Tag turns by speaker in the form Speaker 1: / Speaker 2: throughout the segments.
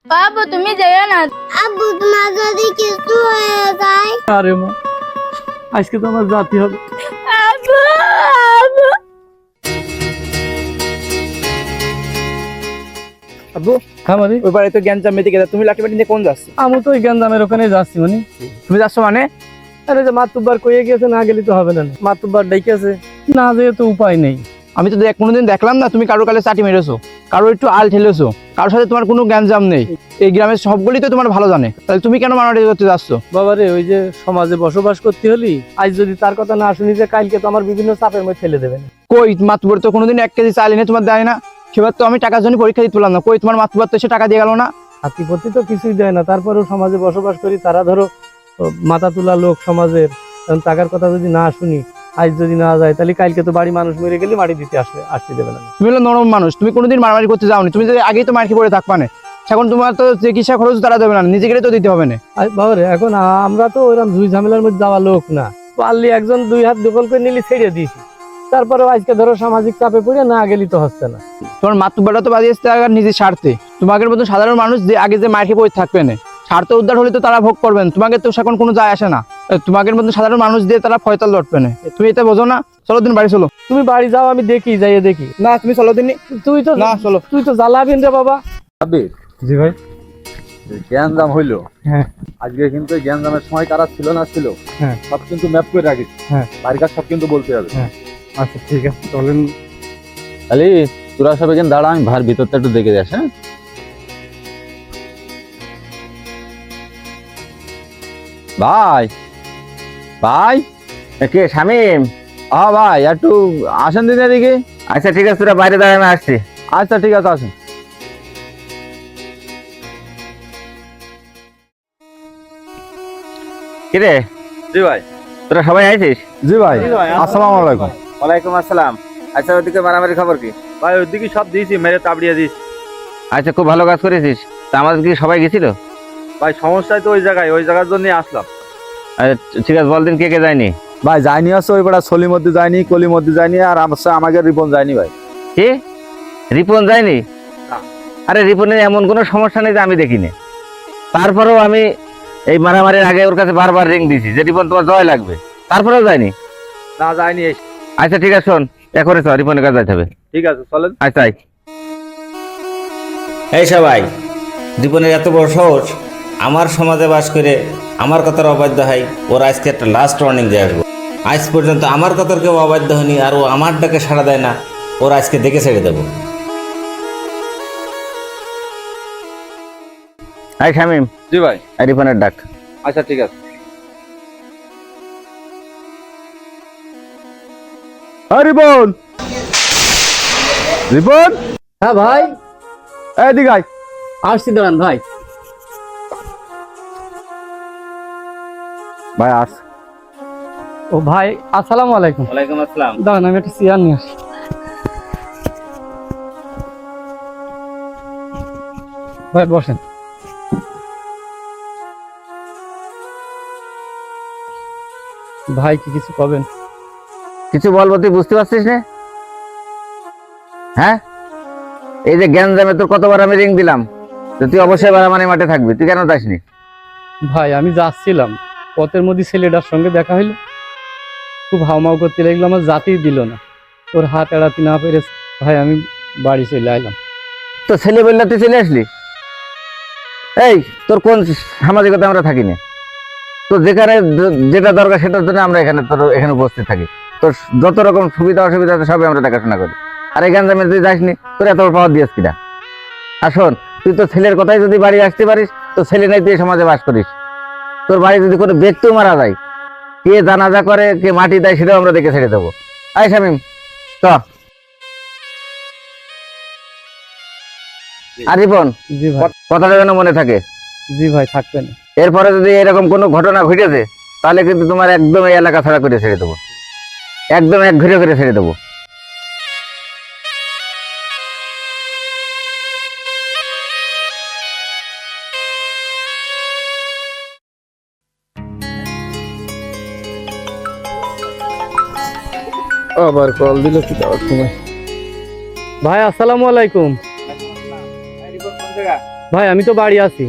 Speaker 1: বাবু তুমি যাইও না। আব্বু তোমার যদি কিছু হয়ে যায়।
Speaker 2: আরে মা, আজকে তো আমার জাতি হবে।
Speaker 1: আব্বু আব্বু
Speaker 3: আব্বু
Speaker 2: হ্যাঁ মানে
Speaker 3: ওই বাড়ি তো গ্যাঞ্জাম মেতে গেছে, তুমি লাঠি বাটি নিয়ে কোন যাচ্ছ?
Speaker 2: আমি তো ওই গ্যাঞ্জামের ওখানে যাচ্ছি মানে।
Speaker 3: তুমি যাচ্ছ মানে?
Speaker 2: আরে যে মাতুব্বার কইয়ে গেছে, না গেলে তো হবে না। মাতুব্বার ডেকেছে, না যেয়ে তো উপায় নেই।
Speaker 3: আমি তো কোনোদিন দেখলাম না তুমি কারোর কালে চাটি মেরেছো, কারো একটু আল ঠেলেছো, কারোর সাথে তোমার কোনো গ্যাঞ্জাম নেই। এই গ্রামের সবগুলি তো তোমার ভালো জানে, তাহলে তুমি কেন মারামারি করতে যাচ্ছ?
Speaker 2: বাবা রে, ওই যে সমাজে বসবাস করতে হলি, আজ যদি তার কথা না শুনি যে কালকে তো আমার বিভিন্ন চাপের মধ্যে ফেলে দেবে।
Speaker 3: কই মাতুব্বর তো কোনোদিন 1 কেজি চাল এনে তোমার দেয় না। সেবার তো আমি টাকার জন্য পরীক্ষা দিতে পারলাম না, কই তোমার মাতুব্বর তো এসে টাকা দিয়ে গেল না।
Speaker 2: হাতিপতি তো কিছুই দেয় না, তারপরেও সমাজে বসবাস করি, তারা ধরো মাথা তোলা লোক সমাজের, টাকার কথা যদি না শুনি, আজ যদি না যায়, তাহলে কালকে তো বাড়ি মানুষ মরে গেলে মাটি দিতে আসতে দেবে না।
Speaker 3: তুমি হলো নরম মানুষ, তুমি কোনোদিন মারামারি করতে যাওনি, তুমি যদি আগেই তো মার্কি পড়ে থাকবা না, এখন তোমার তো চিকিৎসা খরচ তারা দেবে না, নিজে গেলে তো দিতে হবে না।
Speaker 2: বাবা রে, এখন আমরা তো ওইরকম ঝুই ঝামেলার মধ্যে যাওয়া লোক না। পারলি একজন 2 হাত দখল করে নিলে ছেড়ে দিয়েছি, তারপরে আজকে ধরো সামাজিক চাপে পড়ে না গেলি তো হচ্ছে না।
Speaker 3: তোমার মাতুব্বরটা তো বাজিয়েছে নিজের স্বার্থে, তোমাদের মতো সাধারণ মানুষ যে আগে যে মার্কি পড়ে থাকবে না, স্বার্থ উদ্ধার হলে তো তারা ভোগ করবেন, তোমাকে তো সেখন কোনো যায় আসে না। তোমাদের মতো সাধারণ মানুষ দিয়ে তারা ফয়তাল লড়বে না, তুমি এটা বোঝো না? চলো দিন বাড়ি চলো।
Speaker 2: তুমি বাড়ি যাও, আমি দেখি, যাইয়ে দেখি।
Speaker 3: না তুমি চলো দিন।
Speaker 2: তুই তো
Speaker 3: না চলো।
Speaker 2: তুই তো জ্বালাবিন রে বাবা। জি ভাই।
Speaker 4: গ্যাঞ্জাম হইলো,
Speaker 2: হ্যাঁ
Speaker 4: আজকে কিন্তু গ্যাঞ্জামের সময় কারা ছিল না ছিল,
Speaker 2: হ্যাঁ
Speaker 4: সব কিন্তু ম্যাপ করে রাখিস।
Speaker 2: হ্যাঁ
Speaker 4: বাড়ির কাজ সব কিন্তু বলতে হবে।
Speaker 2: আচ্ছা ঠিক আছে, চলেন।
Speaker 4: খালি তোরা সব এখানে দাঁড়া, আমি ভার ভিতরটা একটু দেখে যাস। হ্যাঁ ভাই, ভাই
Speaker 5: কে শামিম?
Speaker 4: ভাই একটু আসেন দিন এদিকে।
Speaker 5: আচ্ছা ঠিক আছে, তোরা বাইরে দাঁড়া, আমি আসছি।
Speaker 4: আচ্ছা ঠিক আছে, আসেন।
Speaker 5: কিরে,
Speaker 4: জি ভাই।
Speaker 5: তোরা সবাই আইছিস?
Speaker 4: জি ভাই, আসসালামু আলাইকুম।
Speaker 5: ওয়ালাইকুম আসসালাম। আচ্ছা, ওদিকে মারামারি খবর কি?
Speaker 4: ভাই ওইদিকে সব দিয়েছি, মেরে তাবড়িয়ে দিয়েছি।
Speaker 5: আচ্ছা, খুব ভালো কাজ করেছিস। তা আমাদের কি সবাই গেছিল?
Speaker 4: ভাই সমস্যায় তো ওই জায়গার জন্য আসলাম।
Speaker 5: আচ্ছা, ঠিক আছে, বল দিন কে কে যায়নি।
Speaker 4: ভাই যায়নি আছে ওই বেড়া সলির মধ্যে যায়নি, কলির মধ্যে যায়নি, আর আমাকে রিপন যায়নি ভাই।
Speaker 5: কি, রিপন যায়নি?
Speaker 4: না।
Speaker 5: আরে রিপনের এমন কোনো সমস্যা নেই যে আমি দেখিনি। তারপরেও আমি এই মারামারির আগে ওর কাছে বারবার রিং দিছি যে রিপন তোমার জয় লাগবে, তারপরেও যায়নি।
Speaker 4: না যায়নি।
Speaker 5: আচ্ছা ঠিক আছে, শোন, এ করেছ, রিপনের কাছে যাইতে হবে।
Speaker 4: ঠিক আছে চলেন।
Speaker 5: আচ্ছা এই সবাই, রিপনের এত বড় সাহস, আমার সমাজে বাস করে আমার কথার অবাধ্য হয়। ওর আজকে একটা লাস্ট ওয়ার্নিং দিয়ে আসবো। আজ পর্যন্ত আমার কথার কেউ অবাধ্য হয়নি, আর ও আমার ডাকে সাড়া দেয় না। ওর আজকে দেখে ছেড়ে দেবো। এই শামিম,
Speaker 4: জি ভাই।
Speaker 5: এই রিপনের ডাক।
Speaker 4: আচ্ছা ঠিক আছে।
Speaker 3: রিপন, রিপন,
Speaker 2: হ্যাঁ ভাই,
Speaker 3: এদিকে আয়।
Speaker 2: আসছি, দাঁড়ান ভাই।
Speaker 3: ভাই আস।
Speaker 2: ও ভাই, আসসালামু আলাইকুম।
Speaker 5: ওয়ালাইকুম আসসালাম।
Speaker 2: দাঁড়ান, আমি একটা চেয়ার নিয়ে আসি। ভাই বসেন। ভাই কি কিছু কবেন?
Speaker 5: কিছু বলবো, তুই বুঝতে পারছিস না? হ্যাঁ, এই যে গ্যাঞ্জামে তোর কতবার আমি রিং দিলাম, তো তুই অবশ্যই বারামানি মাঠে থাকবি, তুই কেন যাসনি?
Speaker 2: ভাই আমি যাচ্ছিলাম, পথের মধ্যে ছেলেটার সঙ্গে দেখা হইলো, খুব হাউমাউ করতে লাগলো, আমার জাতিই দিল না, ওর হাত এড়াতে না পেরেছে। ভাই আমি বাড়ি চলে আইলাম।
Speaker 5: তো ছেলে বললে তুই চলে আসলি? এই, তোর কোন সামাজিকতা আমরা থাকি না? তো যেখানে যেটা দরকার সেটার জন্য আমরা এখানে উপস্থিত থাকি। তোর যত রকম সুবিধা অসুবিধা আছে সবই আমরা দেখাশোনা করি। আর এই গ্যাঞ্জামে তুই যাসনি, তোর এত পাওয়ার দিয়েছ কিনা? আর শোন, তুই তোর ছেলের কথাই যদি বাড়ি আসতে পারিস, তো ছেলে নাই তুই সমাজে বাস করিস, তোর বাড়ি যদি কোনো ব্যক্তিও মারা যায়, কে জানাজা করে, কে মাটি দেয়, সেটাও আমরা দেখে ছেড়ে দেবো। আয় শামিম, চ। আর রিপন,
Speaker 2: জি ভাই।
Speaker 5: কথাটা যেন মনে থাকে।
Speaker 2: জি ভাই, থাকবেন।
Speaker 5: এরপরে যদি এরকম কোনো ঘটনা ঘটেছে, তাহলে কিন্তু তোমার একদম এই এলাকা ছাড়া করে ছেড়ে দেবো, একদম এক ঘুরে করে ছেড়ে দেবো।
Speaker 2: আবার কল দিল কি যাওয়ার সময়। ভাই আসসালামু আলাইকুম। ভাই আমি তো বাড়ি আছি।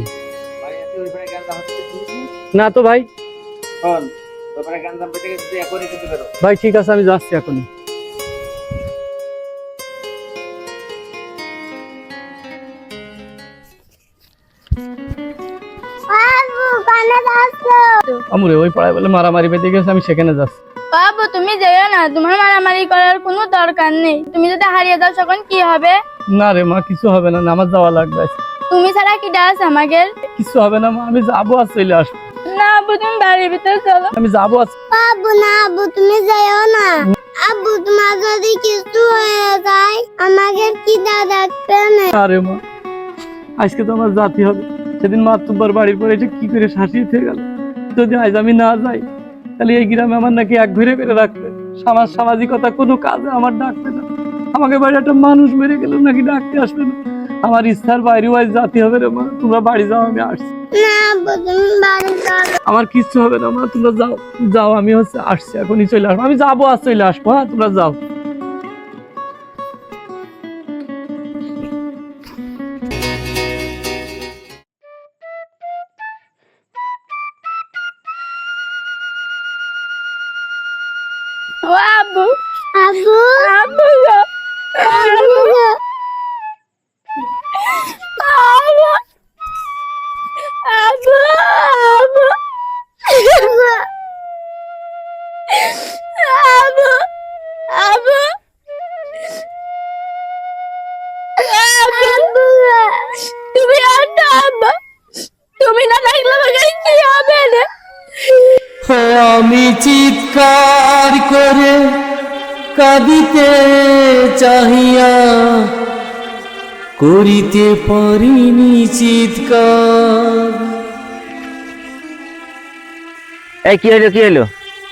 Speaker 2: না তো ভাই। ভাই ঠিক আছে, আমি যাচ্ছি এখনই।
Speaker 1: আব্বু কানে যাচ্ছো?
Speaker 2: আমরে ওই পাড়ায় বলে মারামারি বেঁধে গেছে, আমি সেখানে যাচ্ছি।
Speaker 6: বাবু তুমি যেও না, তোমার মারামারি করার কোনো দরকার নেই। তুমি যদি হারিয়ে যাও তখন কি হবে?
Speaker 2: না রে মা, কিছু হবে না, আমার যাওয়া লাগবে আজকে।
Speaker 6: তুমি ছাড়া কি ডাস আমাদের?
Speaker 2: কিছু হবে না মা, আমি যাবো আর চলে আসবো।
Speaker 6: না আব্বু, তুমি বাড়ির ভিতরে চলো।
Speaker 2: আমি যাবো আজ।
Speaker 1: আব্বু না, আব্বু তুমি যাও না। আব্বু তোমার যদি কিছু হয়ে যায় আমাকে কি ডাকবে না?
Speaker 2: আরে মা, আজকে তো আমার জাতি হবে। সেদিন মা তোমার বাড়ির পরে এসে কি করে শাসিয়ে থেকে গেল। যদি আজ আমি না যাই তাহলে এই গ্রামে আমার নাকি এক ঘুরে করে রাখবে। সামাজিকতা কোনো কাজে আমার ডাকবে না। আমাকে বাড়ি একটা মানুষ মেরে গেল নাকি ডাকতে আসবে না। আমার ইচ্ছার বাইরেও আজ জাতি হবে রে মা। তোমরা বাড়ি যাও, আমি আসছি।
Speaker 1: না আব্বু তুমি বাড়ি চলো।
Speaker 2: আমার কিচ্ছু হবে না মা, তোমরা যাও যাও, আমি আসছি, এখনই চলে আসবো। আমি যাবো আর চলে আসবো। হ্যাঁ তোমরা যাও।
Speaker 6: ও আব্বু,
Speaker 1: আব্বু
Speaker 6: আব্বু গো,
Speaker 1: আব্বু গো।
Speaker 6: আব্বু, আব্বু, আব্বু, আব্বু, আব্বু,
Speaker 1: আব্বু গো।
Speaker 6: তুমি আর না আব্বা, তুমি না থাকলে আমাকে কি হবে রে?
Speaker 2: আমি চিৎকার করে কাঁদিতে চাহিয়া করিতে পারিনি চিৎকার।
Speaker 5: এই কি হলো, কি হলো?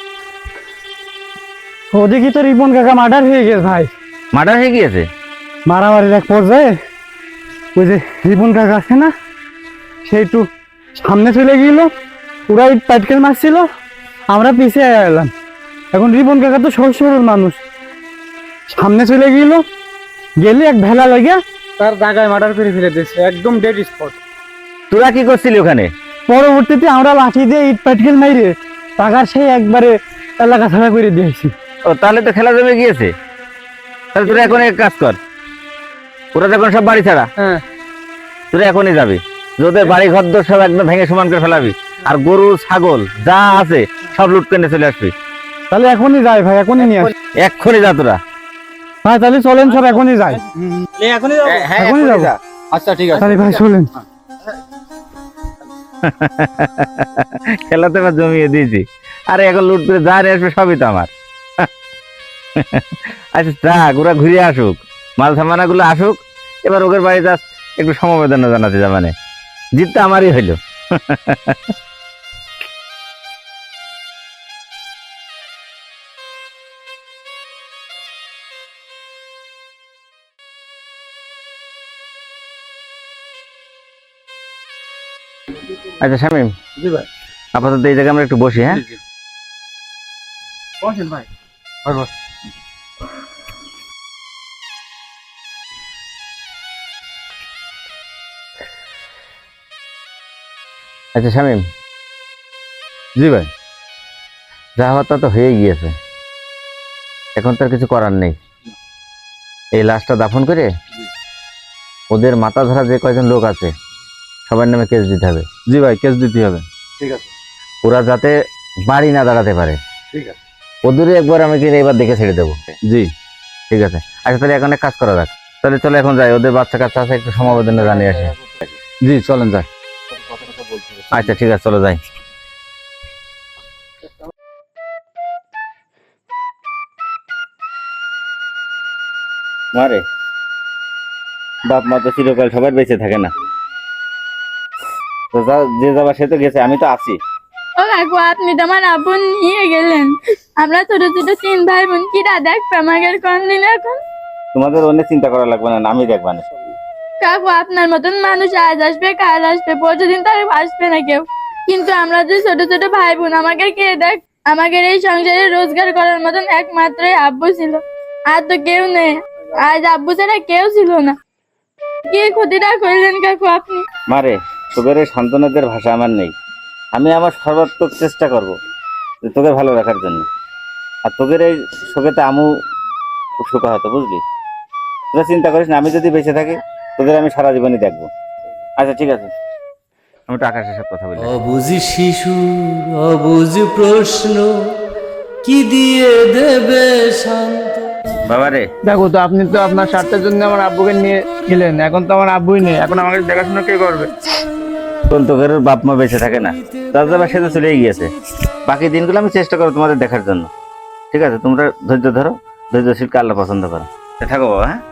Speaker 3: ওদিকে তো রিপন কাকা মার্ডার হয়ে গেছে ভাই।
Speaker 5: মার্ডার হয়ে গিয়েছে?
Speaker 3: মারামারির এক পর্যায়ে ওই যে রিপন কাকা আছে না, সে একটু সামনে চলে গেল, ওরা ইট পাটকেল মারছিল, আমরা পিছিয়ে এলাম। এখন রিপন কাকা তো সহজ সরল মানুষ, সামনে চলে গেল, গেলে এক ভেলা লাগিয়া তার জায়গায় মার্ডার করে ফেলে দিয়েছে, একদম ডেড স্পট।
Speaker 5: তোরা কি করছিলি ওখানে?
Speaker 3: পরবর্তীতে আমরা লাঠি দিয়ে ইট পাটকেল মাইরে টাকার সেই একবারে এলাকা ছাড়া করে দিয়েছি।
Speaker 5: ও তাহলে তো খেলা জমে গিয়েছে। তাহলে তোরা এখন এক কাজ কর, ওরা যখন সব বাড়ি ছাড়া,
Speaker 3: হ্যাঁ
Speaker 5: তোরা এখনই যাবি, ওদের বাড়ি ঘর দর সব একদম ভেঙে সমান করে ফেলাবি, আর গরু ছাগল যা আছে সব লুট করে চলে আসবি।
Speaker 3: তাহলে এখনই যাই ভাই, এখনই নিয়ে আসি
Speaker 5: এক্ষুনি যা তোরা।
Speaker 3: ভাই। তাহলে চলেন সব এখনই যাই, এখনই যাবো।
Speaker 4: আচ্ছা ঠিক আছে।
Speaker 3: তাহলে ভাই চলেন।
Speaker 5: খেলাতে এবার জমিয়ে দিয়েছি, আরে এখন লুট করে যা নিয়ে আসবে সবই তো আমার। আচ্ছা যাক, ওরা ঘুরে আসুক, মাল সামানা গুলো আসুক, এবার ওদের বাড়ি যা একটু সমবেদনা জানাতে যা, মানে জিতটা আমারই হইলো। আচ্ছা শামীম,
Speaker 2: জি ভাই।
Speaker 5: আপাতত এই জায়গায় আমরা একটু বসি। হ্যাঁ
Speaker 2: বসেন ভাই।
Speaker 5: আচ্ছা শামীম,
Speaker 4: জি ভাই।
Speaker 5: যা হওয়ার তা তো হয়ে গিয়েছে, এখন তো আর কিছু করার নেই। এই লাশটা দাফন করে ওদের মাথা ধরা যে কয়জন লোক আছে সবার নামে কেস দিতে হবে।
Speaker 4: জি ভাই, কেস দিতে হবে।
Speaker 2: ঠিক আছে।
Speaker 5: ওরা যাতে বাড়ি না দাঁড়াতে পারে,
Speaker 2: ঠিক আছে।
Speaker 5: ওদেরই একবার আমি কিন্তু এবার দেখে ছেড়ে দেবো।
Speaker 4: জি
Speaker 5: ঠিক আছে। আচ্ছা তাহলে এখন এক কাজ করা যাক, তাহলে চলো এখন যাই, ওদের বাচ্চা কাচ্চা আছে, একটু সমবেদনা জানিয়ে আসি।
Speaker 4: জি চলেন যাই।
Speaker 5: আচ্ছা ঠিক আছে, চলো যাই। মারে বাপ মা তো চিরকাল সবার বেঁচে থাকে না, তো যে যাবার সে তো গেছে, আমি তো আছি।
Speaker 6: ও কাকু, আপনি তো আমার আব্বু নিয়ে গেলেন। আমরা ছোট ছোট 3 ভাই বোন কি দেখবে আমাদের কোন দিন? এখন
Speaker 5: তোমাদের অন্য চিন্তা করা লাগবে না, আমি দেখবা না।
Speaker 6: কাকু আপনার মতন মানুষ আজ আসবে কাল আসবে, পরশুদিন তার আসবে না কেউ, কিন্তু আমরা যে ছোট ছোট ভাই বোন আমাকে কে দেখ? আমাদের এই সংসারে রোজগার করার মতন একমাত্রই আব্বু ছিল, আর তো কেউ নেই। আজ আব্বু ছাড়া কেউ ছিল না। কি ক্ষতিটা করলেন কাকু আপনি?
Speaker 5: মারে, তোদের এই সান্ত্বনাদের ভাষা আমার নেই। আমি আমার সর্বাত্মক চেষ্টা করব যে তোকে ভালো রাখার জন্য। আর তোদের এই শোকেতে আমু খুব শোকা হতো, বুঝলি? তোরা চিন্তা করিস না, আমি যদি বেঁচে থাকি তোদের আমি সারা জীবনই দেখবো। আচ্ছা ঠিক আছে, আমি তো আকাশের সাথে কথা বলি।
Speaker 7: অবুঝ শিশুর অবুঝ প্রশ্ন কি দিয়ে দেবে শান্ত।
Speaker 5: বাবা রে,
Speaker 3: দেখো তো, আপনি তো আপনার স্বার্থের জন্য আমার আব্বুকে নিয়ে গেলেন, এখন তো আমার আব্বুই নেই, এখন আমাকে দেখাশোনা কে করবে?
Speaker 5: কোন তোদের বাপ মা বেঁচে থাকে না, দাদা সে তো চলেই গিয়েছে। বাকি দিনগুলো আমি চেষ্টা করবো তোমাদের দেখার জন্য। ঠিক আছে, তোমরা ধৈর্য ধরো, ধৈর্যশীলকে আল্লাহ পছন্দ করো। থাকো বাবা, হ্যাঁ?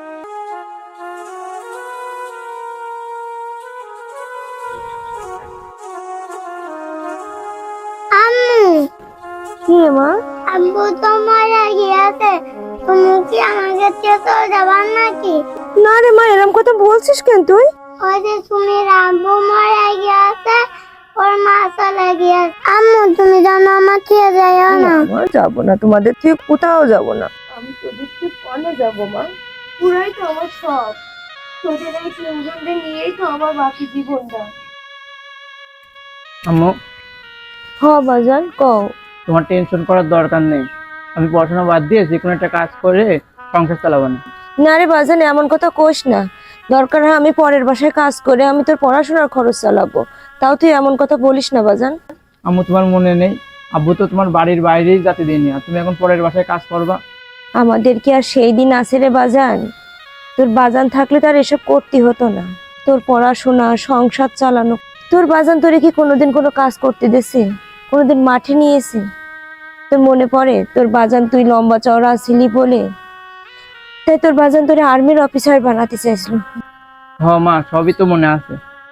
Speaker 1: আম্মু,
Speaker 6: কি মা?
Speaker 1: আব্বু তো মারা গিয়েছে, তুমি কি আমাকে চেতো যাবার নাকি?
Speaker 6: না রে মা, এরকম কথা বলছিস কেন তুই?
Speaker 1: ওই যে সুমির আব্বু মারা গিয়েছে, ওর মা চলে গিয়েছে। আম্মু, তুমি জানো আমার ছেড়ে যাইও না।
Speaker 6: যাবো না, তোমাদের থেকে কোথাও যাবো না। আমি তোদের থেকে কনে যাবো মা? পুরাই তো আমার সব। তোদের এই তিনজনকে নিয়েই তো আমার বাকি জীবনটা।
Speaker 3: আম্মু,
Speaker 6: বাজান কও।
Speaker 3: তোমার টেনশন করার দরকার নেই। আমি পড়াশোনা বাদ দিয়ে যে কোনো একটা কাজ করে সংসার চালাবো না।
Speaker 6: না রে বাজান, এমন কথা কোস না। দরকার হয় আমি পরের বাসায় কাজ করে আমি তোর পড়াশোনার খরচ চালাবো, তাও তুই এমন কথা বলিস না বাজান।
Speaker 3: আম্মু, তোমার মনে নেই আব্বু তো তোমার বাড়ির বাইরেই যেতে দেয়নি, আর তুমি এখন পরের বাসায় কাজ করবা?
Speaker 6: আমাদের কি আর সেই দিন আছে রে বাজান? তোর বাজান থাকলে তার এসব করতে হতো না। তোর পড়াশোনা, সংসার চালানো। তোর বাজান তোরে কি কোনোদিন কোনো কাজ করতে দিয়েছে? কোনোদিন মাঠে নিয়েছে? তোর মনে পড়ে তোর বাজান তুই লম্বা চওড়া ছিলি বলে তাই তোর বাজান তোরে আর্মির অফিসার বানাতে চাইছিল।
Speaker 3: মা, সবই তো মনে আছে।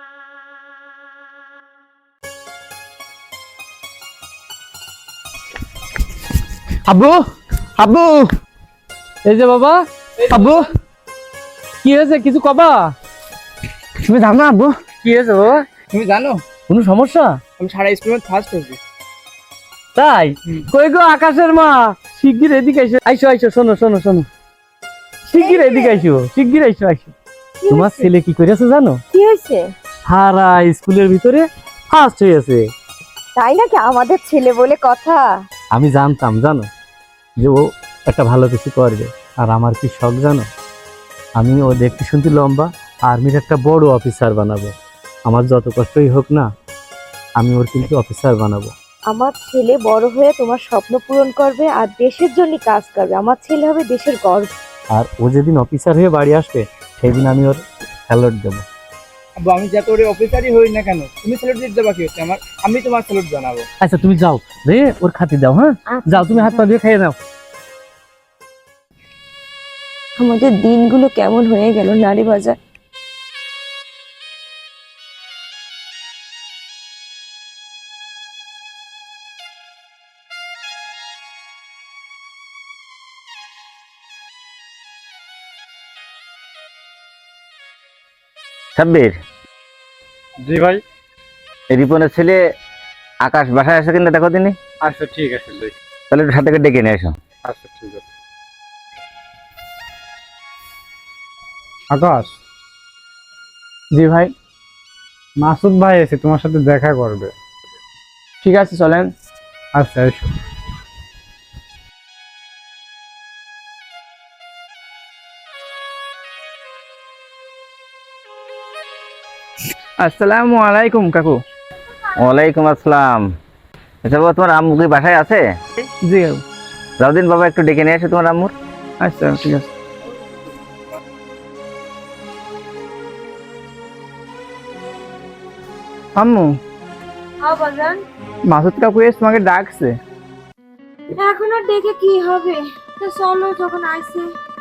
Speaker 3: আব্বু, আব্বু,
Speaker 2: এই যে বাবা,
Speaker 3: আব্বু,
Speaker 2: কি হয়েছে কিছু কবা?
Speaker 3: তুমি জানো না আব্বু?
Speaker 2: কি হয়েছে বাবা?
Speaker 3: তুমি জানো
Speaker 2: কোনো সমস্যা?
Speaker 3: আমি সারা স্কুলে ফার্স্ট হয়েছি।
Speaker 2: তাই? কই গো আকাশের মা, শিগগির এদিকে আইসো। আইসো আইসো, শোনো শোনো শোনো, শিগগির এদিকে আইসো, শিগগির আইসো আইসো। তোমার ছেলে কি করেছে জানো?
Speaker 6: কি হয়েছে?
Speaker 2: সারা স্কুলের ভিতরে ফার্স্ট হয়েছে।
Speaker 6: তাই নাকি? আমাদের ছেলে বলে কথা।
Speaker 2: আমি জানতাম জানো যে ও একটা ভালো কিছু করবে। আর আমার কি শখ জানো, আমি ও দেখতে শুনতে লম্বা, আর্মির একটা বড় অফিসার বানাবো। আমার যত কষ্টই হোক না, আমি ওর কিন্তু অফিসার বানাবো।
Speaker 6: আমার ছেলে বড় হয়ে তোমার স্বপ্ন পূরণ করবে আর দেশের জন্য কাজ করবে। আমার ছেলে হবে দেশের গর্ব।
Speaker 2: আর ও যেদিন অফিসার হয়ে বাড়ি আসবে সেদিন আমি ওর স্যালুট দেবো।
Speaker 3: আব্বু, আমি যত ওর অফিসারই হই না কেন, তুমি স্যালুট দিতে বাকি হচ্ছে আমার, আমি তোমার স্যালুট জানাবো।
Speaker 2: আচ্ছা তুমি যাও রে, ওর খাতি দাও। হ্যাঁ যাও, তুমি হাত পা দিয়ে খেয়ে নাও।
Speaker 6: আমাদের দিনগুলো কেমন হয়ে গেল নারী বাজার।
Speaker 5: সাব্বির,
Speaker 2: জি ভাই।
Speaker 5: এই রিপনের ছেলে আকাশ বাসায় আসে কিনা দেখো দিনই।
Speaker 2: আচ্ছা ঠিক আছে,
Speaker 5: তাহলে একটু সাথে করে ডেকে নিয়ে এসো।
Speaker 2: আচ্ছা ঠিক আছে। আকাশ,
Speaker 3: জি ভাই।
Speaker 2: মাসুদ ভাই এসে তোমার সাথে দেখা করবে।
Speaker 3: ঠিক আছে, চলেন।
Speaker 2: আচ্ছা এসো।
Speaker 3: আসসালামু আলাইকুম কাকু।
Speaker 5: ওয়ালাইকুম আসসালাম। আচ্ছা বাবা, তোমার আম্মু কি বাসায় আছে?
Speaker 3: জি কাকু।
Speaker 5: যাও দিন বাবা, একটু ডেকে নিয়ে এসো তোমার আম্মুর।
Speaker 3: আচ্ছা ঠিক আছে। আম্মু,
Speaker 6: বাজান,
Speaker 3: মাসুদ কাকু এসে তোমাকে ডাকছে।
Speaker 6: এখন আর দেখে কি হবে, তো চলো যখন আইছে।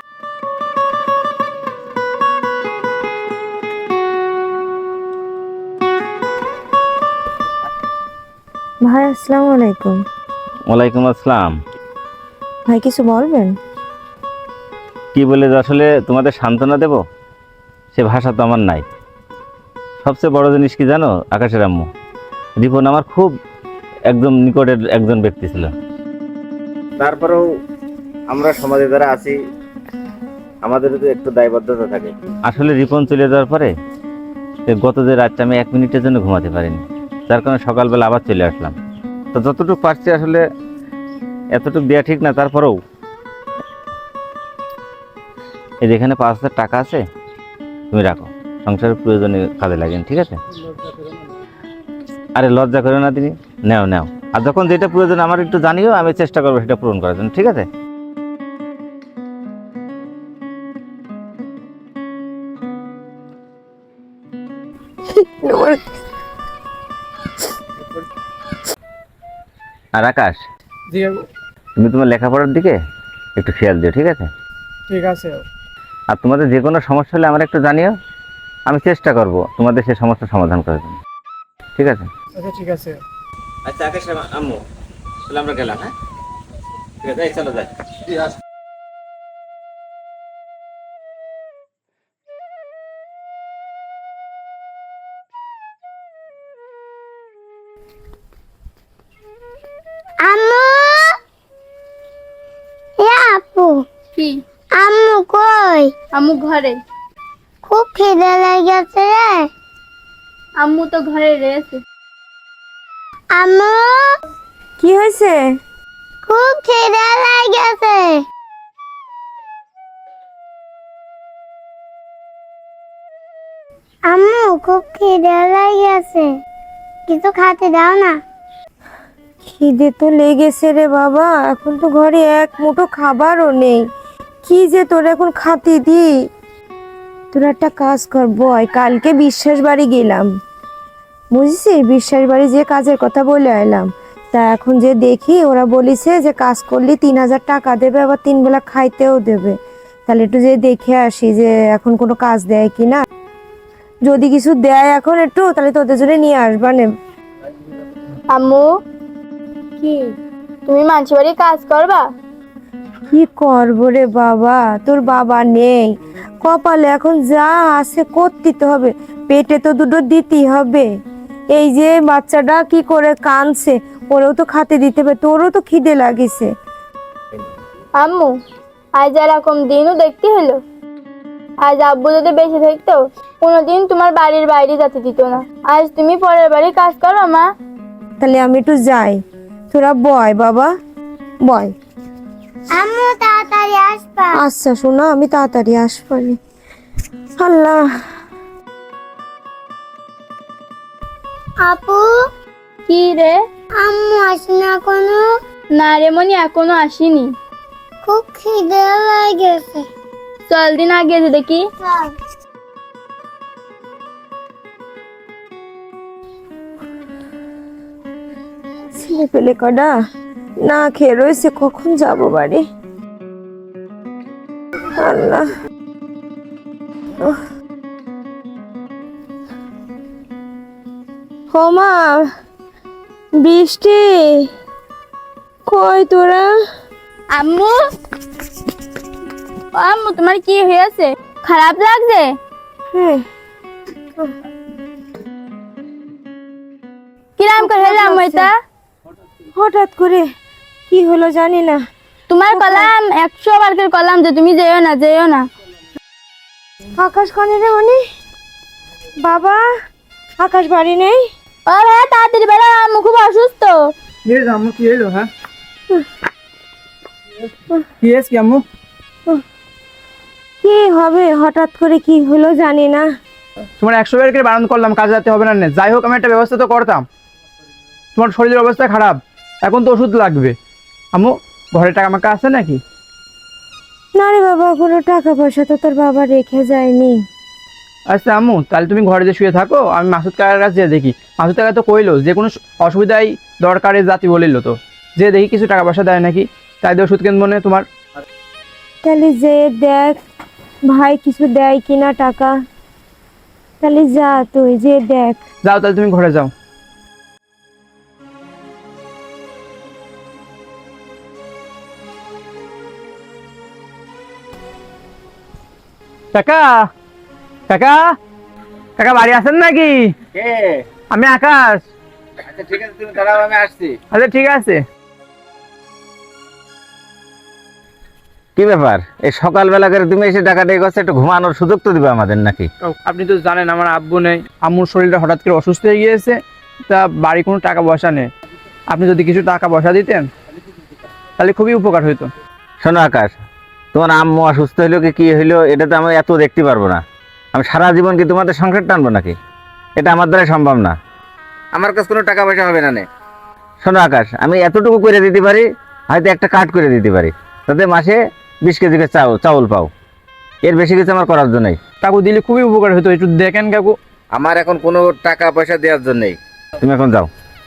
Speaker 6: ভাই আসসালামু আলাইকুম।
Speaker 5: ওয়ালাইকুম আসসালাম।
Speaker 6: ভাই কিছু বলবেন?
Speaker 5: কি বলে যে আসলে তোমাদের সান্ত্বনা দেব সে ভাষা তো আমার নাই। সবচেয়ে বড় জিনিস কি জানো আকাশের আম্মু, রিপন আমার খুব একদম নিকটের একজন ব্যক্তি ছিল। তারপরেও আমরা সমাজে যারা আছি আমাদেরও তো একটু দায়বদ্ধতা থাকে। আসলে রিপন চলে যাওয়ার পরে গত যে রাতটা আমি 1 মিনিটের জন্য ঘুমাতে পারিনি, যার কারণে সকালবেলা আবার চলে আসলাম। তো যতটুকু পারছি আসলে এতটুকু দেওয়া ঠিক না, তারপরেও এই যেখানে 5,000 টাকা আছে, তুমি রাখো, সংসারের প্রয়োজনে কাজে লাগেন, ঠিক আছে? আরে লজ্জা করো না তিনি, নেও নেও। আর যখন যেটা প্রয়োজন আমার একটু জানিও, আমি চেষ্টা করবো সেটা পূরণ করার জন্য, ঠিক আছে? আর আকাশ,
Speaker 3: জি বাবু,
Speaker 5: তুমি তোমার লেখাপড়ার দিকে একটু খেয়াল দিও, ঠিক আছে?
Speaker 3: ঠিক আছে।
Speaker 5: আর তোমাদের যে কোনো সমস্যা হলে আমার একটু জানিও, আমি চেষ্টা করব তোমাদের সেই সমস্যার সমাধান করার জন্য, ঠিক আছে?
Speaker 3: আচ্ছা ঠিক আছে।
Speaker 5: আচ্ছা আকাশ, আম্মু, তাহলে আমরা গেলাম, হ্যাঁ? ঠিক আছে, চলো যাই।
Speaker 1: আম্মু, এ আপু,
Speaker 8: কি?
Speaker 1: আম্মু কই?
Speaker 8: আম্মু ঘরে।
Speaker 1: খুব খিদে লেগেছে রে।
Speaker 8: আম্মু তো ঘরে রয়েছে।
Speaker 1: আম্মু,
Speaker 6: কি হয়েছে?
Speaker 1: খুব খিদে লেগেছে। আম্মু, খুব খিদে লেগেছে, কিছু খেতে দাও না।
Speaker 6: খিদে তো লেগেছে রে বাবা, এখন তো ঘরে এক মুঠো খাবারও নেই। কি যে তোর এখন খাতি দি। তোর একটা কাজ কর বয়, কালকে বিশ্বাস বাড়ি গেলাম, বুঝছিস? বিশ্বাস বাড়ি যে কাজের কথা বলে এলাম, তা এখন যে দেখি ওরা বলিছে যে কাজ করলে 3,000 টাকা দেবে, আবার 3 বেলা খাইতেও দেবে। তাহলে একটু যে দেখে আসি যে এখন কোনো কাজ দেয় কিনা। যদি কিছু দেয় এখন একটু, তাহলে তোদের জন্য নিয়ে আসবা নে।
Speaker 8: আম্মু, কি তুমি মানুষের বাড়ি কাজ করবা?
Speaker 6: কি করবো রে বাবা, তোর বাবা নেই, কপালে এখন যা আছে করতে হবে, পেটে তো দুটো দিতেই হবে। এই যে বাচ্চাটা কি করে কাঁদছে, ওরেও তো খেতে দিতে হবে, তোরও তো খিদে লাগিছে।
Speaker 8: আম্মু, আজ এরকম দিনও দেখতে হলো। আজ আব্বু যদি বেঁচে থাকতো, কোনোদিন তোমার বাড়ির বাইরে যেতে দিত না। আজ তুমি পরের বাড়ি কাজ করো মা।
Speaker 6: তাহলে আমি একটু যাই, তোরা বয় বাবা, বয়।
Speaker 1: আম্মু, তাড়াতাড়ি আসবা।
Speaker 6: আচ্ছা শোনা, আমি তাড়াতাড়ি আসবানি। আল্লাহ।
Speaker 1: আপু,
Speaker 8: কি রে?
Speaker 1: আম্মু আসে না কোনো?
Speaker 8: না রে মনি, এখনো আসেনি।
Speaker 1: খুব খিদে লেগেছে।
Speaker 8: চল দিন আগে যে দেখি।
Speaker 1: চল।
Speaker 6: ছেলে পেলে কটা না খেয়ে রয়েছে, কখন যাব বাড়ি? আল্লাহ। হোমা, বৃষ্টি, কই তোরা?
Speaker 8: আম্মু, ও আম্মু, তোমার কি হয়েছে? খারাপ লাগছে?
Speaker 6: হ্যাঁ,
Speaker 8: কিরাম করে হলো আম্মু এটা?
Speaker 6: হঠাৎ করে কি হলো জানি না।
Speaker 8: তোমার কলাম 100 বার করে কলাম যে তুমি যেও না, যেও না।
Speaker 6: আকাশ কনে রে মনি? বাবা, আকাশ বাড়ি নেই?
Speaker 8: ও ভাই তাড়াতাড়ি বেরো, আম্মু খুব অসুস্থ।
Speaker 3: আম্মু কি হলো? হ্যাঁ, কি হয়েছে আম্মু?
Speaker 6: কি হবে, হঠাৎ করে কি হলো জানি না।
Speaker 3: তোমার 100 বার করে বারণ করলাম কাজে যেতে হবে না, যাই হোক আমি একটা ব্যবস্থা তো করতাম। তোমার শরীরের অবস্থা খারাপ, এখন তো ওষুধ লাগবে। আম্মু, ঘরে টাকা মাকা আছে নাকি?
Speaker 6: না রে বাবা, কোনো টাকা পয়সা তো তোর বাবা রেখে যায়নি।
Speaker 3: আচ্ছা আম্মু, তাহলে তুমি ঘরে যে শুয়ে থাকো, আমি মাসুদ কাকার কাছে যেয়ে দেখি। মাসুদ কাকা তো কইলো যে কোনো অসুবিধায় দরকারে জাতি বলিল, তো যে দেখি কিছু টাকা পয়সা দেয় নাকি, তাই দিয়ে ওষুধ কিনবো না তোমার।
Speaker 6: তাহলে যে দেখ ভাই কিছু দেয় কিনা টাকা, তাহলে যা তুই যে দেখ।
Speaker 3: যাও তাহলে তুমি ঘরে যাও। কাকা, কাকা, কাকা বাড়ি আছেন নাকি? আমি আকাশ।
Speaker 5: আচ্ছা ঠিক আছে, তুমি দাঁড়াও, আমি আসছি।
Speaker 3: আচ্ছা ঠিক আছে।
Speaker 5: কি ব্যাপার এই সকালবেলা করে তুমি এসে ডাকাডাকি করছো, একটু ঘুমানোর সুযোগ তো দিবে আমাদের নাকি?
Speaker 3: আপনি তো জানেন আমার আব্বু নেই, আম্মুর শরীরটা হঠাৎ করে অসুস্থ হয়ে গিয়েছে, তা বাড়ি কোনো টাকা পয়সা নেই। আপনি যদি কিছু টাকা পয়সা দিতেন তাহলে খুবই উপকার হইতো।
Speaker 5: শোনো আকাশ, তোমার আম্মু অসুস্থ হইলো কি হইলো এটা তো আমি এত দেখতে পারবো না। আমি সারা জীবন কি তোমাদের সংসার টানবো নাকি? এটা আমার দ্বারা সম্ভব না। আমার কাছে কোনো টাকা পয়সা হবে না নে। শোনো আকাশ, আমি এতটুকু করে দিতে পারি, হয়তো একটা কাট করে দিতে পারি, তাতে মাসে 20 কেজি করে চাউল পাও। এর বেশি কিছু আমার করার জন্যই।
Speaker 3: কাকু দিলে খুবই উপকার হতো, একটু দেখেন কাকু।
Speaker 5: আমার এখন কোনো টাকা পয়সা দেওয়ার জন্যই, তুমি এখন যাও।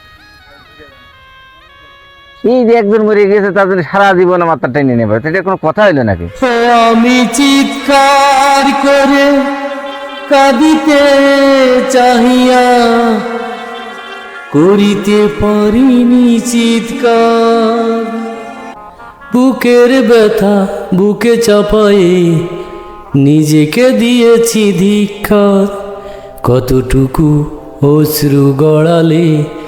Speaker 5: এই যে একজন মরে গিয়েছে তার জন্য সারা জীবন মাথা টেনে নেবে, এটা কোনো কথা হইলো নাকি?
Speaker 7: আমি চিৎকার করে কাঁদিতে চাহিয়া করিতে পারিনি চিৎকার, বুকের ব্যথা বুকে চাপায়ে নিজেকে দিয়েছি ধিক্কার, কতটুকু অশ্রু গড়ালে